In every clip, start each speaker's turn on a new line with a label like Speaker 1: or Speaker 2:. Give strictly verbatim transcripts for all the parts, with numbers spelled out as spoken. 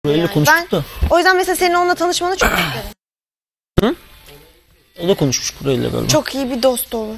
Speaker 1: Böyle
Speaker 2: yani.
Speaker 1: konuştuk
Speaker 2: Ben,
Speaker 1: da.
Speaker 2: o yüzden mesela senin onunla tanışmanı çok isterim.
Speaker 1: Hı? O da konuşmuş burayla galiba.
Speaker 2: Çok iyi bir dost olur.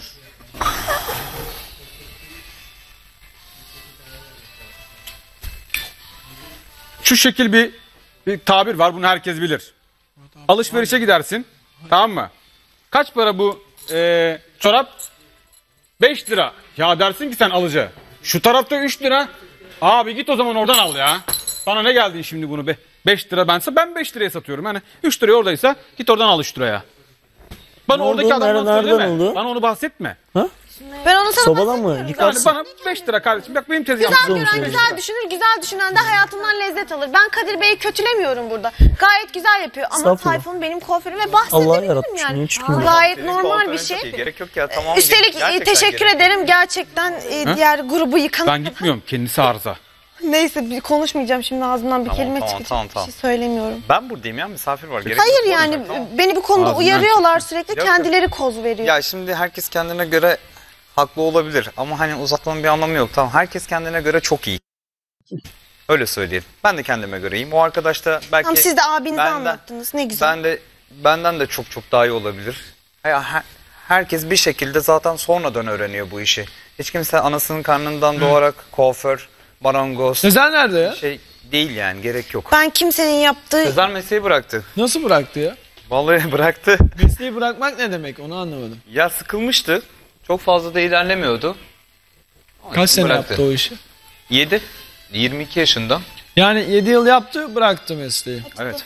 Speaker 3: Şu şekil bir, bir tabir var, bunu herkes bilir. Alışverişe gidersin, tamam mı? Kaç para bu e, çorap? beş lira. Ya dersin ki sen alıcı. Şu tarafta üç lira. Abi git o zaman oradan al ya. Bana ne geldin şimdi bunu be? beş lira bense ben beş liraya satıyorum. Yani üç liraya oradaysa git oradan al üç liraya. Bana
Speaker 1: Ne
Speaker 3: oradaki
Speaker 1: oldu?
Speaker 3: adamdan
Speaker 1: Nereden
Speaker 3: söyleme.
Speaker 1: oldu?
Speaker 3: Bana onu bahsetme.
Speaker 1: Ha?
Speaker 2: Ben onu sana
Speaker 1: Sobala mı?
Speaker 2: bahsetmiyorum.
Speaker 3: Yani
Speaker 1: Yıkarsın.
Speaker 3: bana beş lira kardeşim. Bak benim tezgahım.
Speaker 2: Güzel
Speaker 1: Güzel
Speaker 2: gören
Speaker 1: olmuş.
Speaker 2: güzel düşünür, güzel düşünen de hayatından lezzet alır. Ben Kadir Bey'i kötülemiyorum burada. Gayet güzel yapıyor ama
Speaker 1: Estağfurullah.
Speaker 2: Tayfun benim kuaförüm ve
Speaker 1: Allah
Speaker 2: bahsedebilirim
Speaker 1: yaratmış,
Speaker 2: yani.
Speaker 1: niye hiç
Speaker 2: Bu
Speaker 1: bilmiyorum.
Speaker 2: gayet
Speaker 4: Senin
Speaker 2: normal bir
Speaker 4: kuaförün çok
Speaker 2: şey.
Speaker 4: iyi, gerek yok ya, tamam.
Speaker 2: Üstelik e,
Speaker 4: Gerçekten
Speaker 2: teşekkür
Speaker 4: gerek yok.
Speaker 2: ederim. Gerçekten e, diğer grubu yıkan...
Speaker 3: Ben gitmiyorum. Kendisi arıza.
Speaker 2: Neyse bir konuşmayacağım şimdi ağzımdan bir
Speaker 4: Tamam,
Speaker 2: kelime
Speaker 4: tamam,
Speaker 2: çıkacak.
Speaker 4: tamam,
Speaker 2: Bir
Speaker 4: tamam.
Speaker 2: şey söylemiyorum.
Speaker 4: Ben buradayım ya, misafir var. Gerek
Speaker 2: Hayır
Speaker 4: yok.
Speaker 2: yani
Speaker 4: Tamam.
Speaker 2: beni bu konuda
Speaker 3: Ağzından
Speaker 2: uyarıyorlar sürekli,
Speaker 4: Yok,
Speaker 2: kendileri koz veriyor.
Speaker 4: Ya şimdi herkes kendine göre haklı olabilir ama hani uzatmanın bir anlamı yok. Tamam, herkes kendine göre çok iyi. Öyle söyleyeyim. Ben de kendime göre iyiyim. O arkadaş da belki
Speaker 2: Tamam, siz de abinize
Speaker 4: benden-
Speaker 2: anlattınız, ne güzel.
Speaker 4: ben de benden de çok çok daha iyi olabilir. Ya her- herkes bir şekilde zaten sonradan öğreniyor bu işi. Hiç kimse anasının karnından doğarak kuaför, marangoz
Speaker 5: Sezer nerede ya?
Speaker 4: şey değil yani, gerek yok.
Speaker 2: Ben kimsenin yaptığı...
Speaker 4: Sezer mesleği bıraktı.
Speaker 5: Nasıl bıraktı ya?
Speaker 4: Vallahi bıraktı.
Speaker 5: Mesleği bırakmak ne demek, onu anlamadım.
Speaker 4: Ya sıkılmıştı. Çok fazla da ilerlemiyordu. Onun
Speaker 5: Kaç
Speaker 4: için
Speaker 5: sene
Speaker 4: bıraktı.
Speaker 5: yaptı o işi?
Speaker 4: yedi. yirmi iki yaşında.
Speaker 5: Yani yedi yıl yaptı, bıraktı mesleği.
Speaker 4: Evet.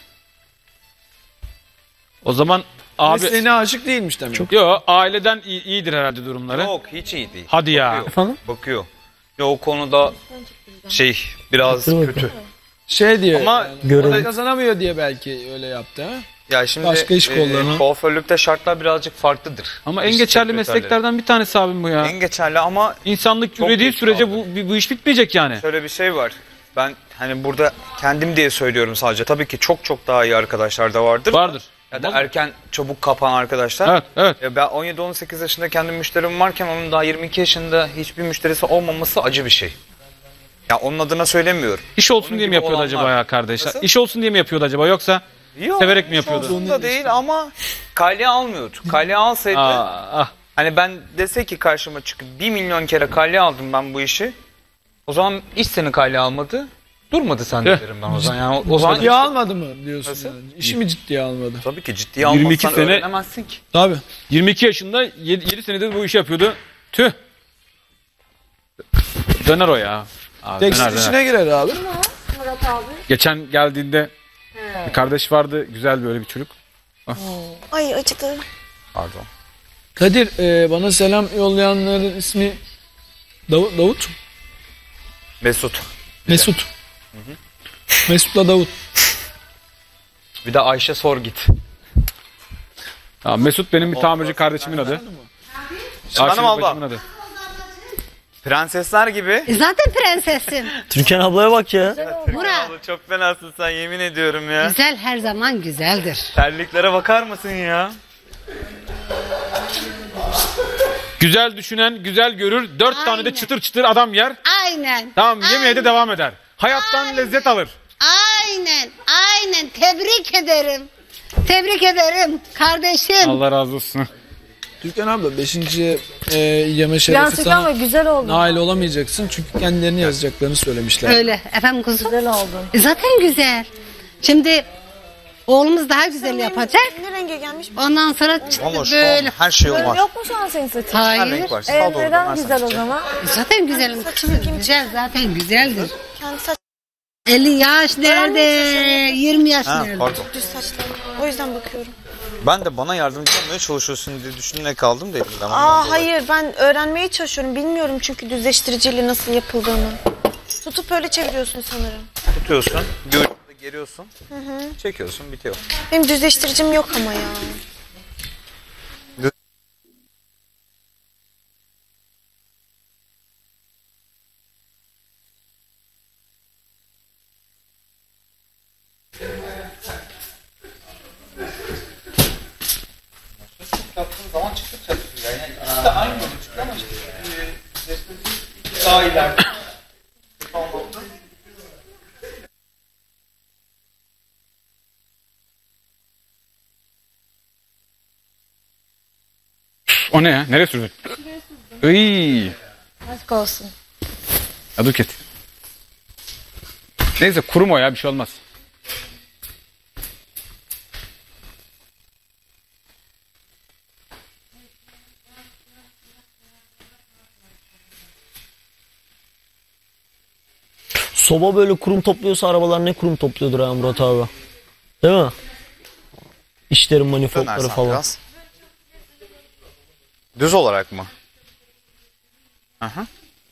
Speaker 3: O zaman abi...
Speaker 5: Mesleğine aşık değilmiş demek.
Speaker 3: Yok, aileden iyi- iyidir herhalde durumları.
Speaker 4: Yok, hiç iyi değil.
Speaker 3: Hadi ya.
Speaker 4: Bakıyor.
Speaker 1: Efendim?
Speaker 4: Bakıyor. Ya o konuda şey biraz
Speaker 1: Bakıyor,
Speaker 4: kötü.
Speaker 5: Şey diye,
Speaker 4: Ama
Speaker 5: yani,
Speaker 1: görelim.
Speaker 5: o da kazanamıyor diye belki öyle yaptı ha?
Speaker 4: Ya şimdi
Speaker 5: Başka iş kollarına.
Speaker 4: kuaförlükte şartlar birazcık farklıdır.
Speaker 3: Ama en
Speaker 4: İş
Speaker 3: geçerli
Speaker 4: sekreterleri.
Speaker 3: mesleklerden bir tanesi abim bu ya.
Speaker 4: En geçerli ama
Speaker 3: İnsanlık
Speaker 4: Çok
Speaker 3: ürediği
Speaker 4: geç
Speaker 3: sürece
Speaker 4: kaldı.
Speaker 3: bu, bu iş bitmeyecek yani.
Speaker 4: şöyle bir şey var. Ben hani burada kendim diye söylüyorum sadece. Tabii ki çok çok daha iyi arkadaşlar da vardır.
Speaker 3: Vardır.
Speaker 4: Ya da
Speaker 3: Olmaz mı?
Speaker 4: erken çabuk kapan arkadaşlar.
Speaker 3: Evet, evet.
Speaker 4: Ya ben on yedi on sekiz yaşında kendim müşterim varken onun daha yirmi iki yaşında hiçbir müşterisi olmaması acı bir şey. Ya onun adına söylemiyorum.
Speaker 3: İş olsun
Speaker 4: Onun
Speaker 3: diye mi
Speaker 4: gibi
Speaker 3: yapıyordu
Speaker 4: olanlar.
Speaker 3: acaba ya kardeşler?
Speaker 4: Nasıl?
Speaker 3: İş olsun diye mi yapıyordu acaba, yoksa
Speaker 4: Yok,
Speaker 3: severek mi yapıyordu?
Speaker 4: olsun da değil ama kalye almıyordu. Kalye alsaydı
Speaker 3: Aa, ah.
Speaker 4: hani ben dese ki karşıma çıkıp bir milyon kere kalye aldım ben bu işi. O zaman iş seni kalye almadı. Durmadı sen de
Speaker 3: Eh.
Speaker 4: derim ben o zaman. Yani o, o zaman
Speaker 5: Ciddiye almadı mı diyorsun
Speaker 4: Nasıl?
Speaker 5: yani? İşi mi ciddiye almadı?
Speaker 4: tabii ki ciddiye
Speaker 3: yirmi
Speaker 4: almazsan
Speaker 3: iki sene-
Speaker 4: öğrenemezsin ki.
Speaker 5: Tabii.
Speaker 3: yirmi iki yaşında yedi senedir bu işi yapıyordu. Tüh. Döner o ya. Abi,
Speaker 5: Tekstil
Speaker 3: döner, döner.
Speaker 5: işine girer abi.
Speaker 3: Geçen geldiğinde bir kardeş vardı, güzel böyle bir çocuk.
Speaker 2: Ay acıdı.
Speaker 4: Pardon.
Speaker 5: Kadir, e, bana selam yollayanların ismi Davut, Davut?
Speaker 4: Mesut.
Speaker 5: Mesut. Mesut'la Davut.
Speaker 4: Bir de Ayşe sor git.
Speaker 3: Tamam, Mesut benim bir tamirci kardeşimin adı. Ayşe
Speaker 4: Hanım abla.
Speaker 3: bacımın adı.
Speaker 4: Prensesler gibi.
Speaker 6: E zaten prensessin.
Speaker 1: Türkan ablaya bak ya.
Speaker 6: Murat.
Speaker 4: Abla çok fenasın sen, yemin ediyorum ya.
Speaker 6: Güzel her zaman güzeldir.
Speaker 4: Terliklere bakar mısın ya?
Speaker 3: Güzel düşünen güzel görür. Dört tane de
Speaker 6: Aynen.
Speaker 3: çıtır çıtır adam yer.
Speaker 6: Aynen.
Speaker 3: Tamam, yemeye de
Speaker 6: Aynen.
Speaker 3: devam eder. Hayattan lezzet alır.
Speaker 6: Aynen. Aynen. Tebrik ederim. Tebrik ederim kardeşim.
Speaker 3: Allah razı olsun.
Speaker 5: Türkan abla beşinci E, yeme şerefi sana
Speaker 2: güzel oldu.
Speaker 5: nail olamayacaksın çünkü kendilerini yazacaklarını söylemişler.
Speaker 6: Öyle efendim kuzum.
Speaker 2: Güzel oldun.
Speaker 6: E zaten güzel. Şimdi oğlumuz daha güzel yapacak.
Speaker 2: Ne renge gelmiş?
Speaker 6: Ondan sonra çıktı
Speaker 4: Ama şu
Speaker 6: böyle.
Speaker 4: an her şey var.
Speaker 2: Yok mu şu an senin saçın?
Speaker 4: Her
Speaker 6: Hayır.
Speaker 4: renk var.
Speaker 6: E,
Speaker 4: Sağ doğru
Speaker 2: Neden
Speaker 4: dönersen
Speaker 2: güzel o
Speaker 4: çiçeği.
Speaker 2: zaman?
Speaker 6: zaten güzelim kızım. Güzel zaten güzeldir.
Speaker 2: Kendi saç
Speaker 6: elli yaş nerede?
Speaker 2: yaşında.
Speaker 6: yirmi yaş
Speaker 4: Ha,
Speaker 6: nerede?
Speaker 4: pardon.
Speaker 2: düz saçlı. O yüzden bakıyorum.
Speaker 4: Ben de bana yardımcı olmaya çalışıyorsun diye düşünerek kaldım dedim. Ben ondan
Speaker 2: Aa
Speaker 4: dolayı.
Speaker 2: hayır, ben öğrenmeye çalışıyorum. Bilmiyorum çünkü düzleştiriciyle nasıl yapıldığını. Tutup öyle çeviriyorsun sanırım.
Speaker 4: Tutuyorsun, bir ucunu da geriyorsun, çekiyorsun, bitiyor.
Speaker 2: Benim düzleştiricim yok ama ya.
Speaker 4: Yaptığın zaman çıktıkça güzel. Yani ikisi de aynı yolu çıktı ama işte e, daha ileride.
Speaker 3: O ne ya? Nereye sürdün? Iy.
Speaker 2: Aşk olsun.
Speaker 3: Ya dur ket. Neyse kurum o ya, bir şey olmaz.
Speaker 1: Soba böyle kurum topluyorsa arabalar ne kurum topluyordur ha Murat abi. Değil mi? İşlerin manifoldları
Speaker 4: Dönersen
Speaker 1: falan.
Speaker 4: biraz. Düz olarak mı? Aha.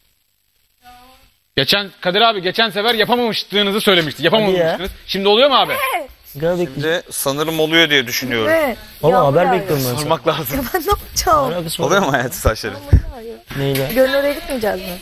Speaker 3: Geçen Kadir abi geçen sefer yapamamıştığınızı söylemişti. Yapamamıştınız. Şimdi oluyor mu abi?
Speaker 1: Gel bekle.
Speaker 4: Şimdi sanırım oluyor diye düşünüyorum.
Speaker 2: Evet.
Speaker 1: Valla haber bekliyorum ben sana.
Speaker 4: Sormak lazım.
Speaker 2: Ben ne yapacağım?
Speaker 1: Alakası var.
Speaker 4: Oluyor mu hayatı saçları?
Speaker 1: Neyle?
Speaker 2: Gönül oraya gitmeyeceğiz mi?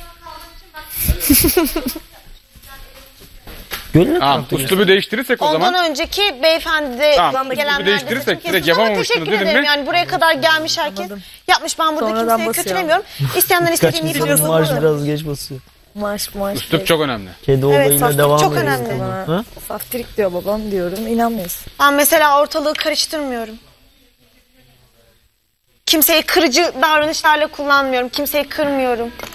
Speaker 1: Gönlü
Speaker 3: Tamam.
Speaker 1: tarafta
Speaker 3: Üslubu değiştirirsek o zaman.
Speaker 2: Ondan önceki beyefendi de
Speaker 3: Tamam, üslubu
Speaker 2: gelenler de
Speaker 3: değiştirirsek
Speaker 2: saçım
Speaker 3: direkt
Speaker 2: kesmiş ama
Speaker 3: yapamamışsınız
Speaker 2: teşekkür
Speaker 3: dedim
Speaker 2: ederim.
Speaker 3: mi?
Speaker 2: Yani buraya kadar gelmiş herkes. Yapmış, ben burada
Speaker 7: Sonradan
Speaker 2: kimseyi
Speaker 7: basıyor.
Speaker 2: kötülemiyorum. İsteyenler
Speaker 1: Kaç
Speaker 2: istediğini
Speaker 1: insanın
Speaker 2: yapıyor.
Speaker 1: maaşı biraz geç basıyor.
Speaker 7: Maaş maaş.
Speaker 3: Üslup çok önemli.
Speaker 1: Kedi
Speaker 2: Evet,
Speaker 1: olayıyla
Speaker 2: saflık
Speaker 1: devam
Speaker 2: çok
Speaker 1: ediyoruz.
Speaker 2: önemli.
Speaker 1: Ha?
Speaker 7: Saftirik diyor babam diyorum. İnanmıyorsun.
Speaker 2: Ben mesela ortalığı karıştırmıyorum. Kimseyi kırıcı davranışlarla kullanmıyorum. Kimseyi kırmıyorum.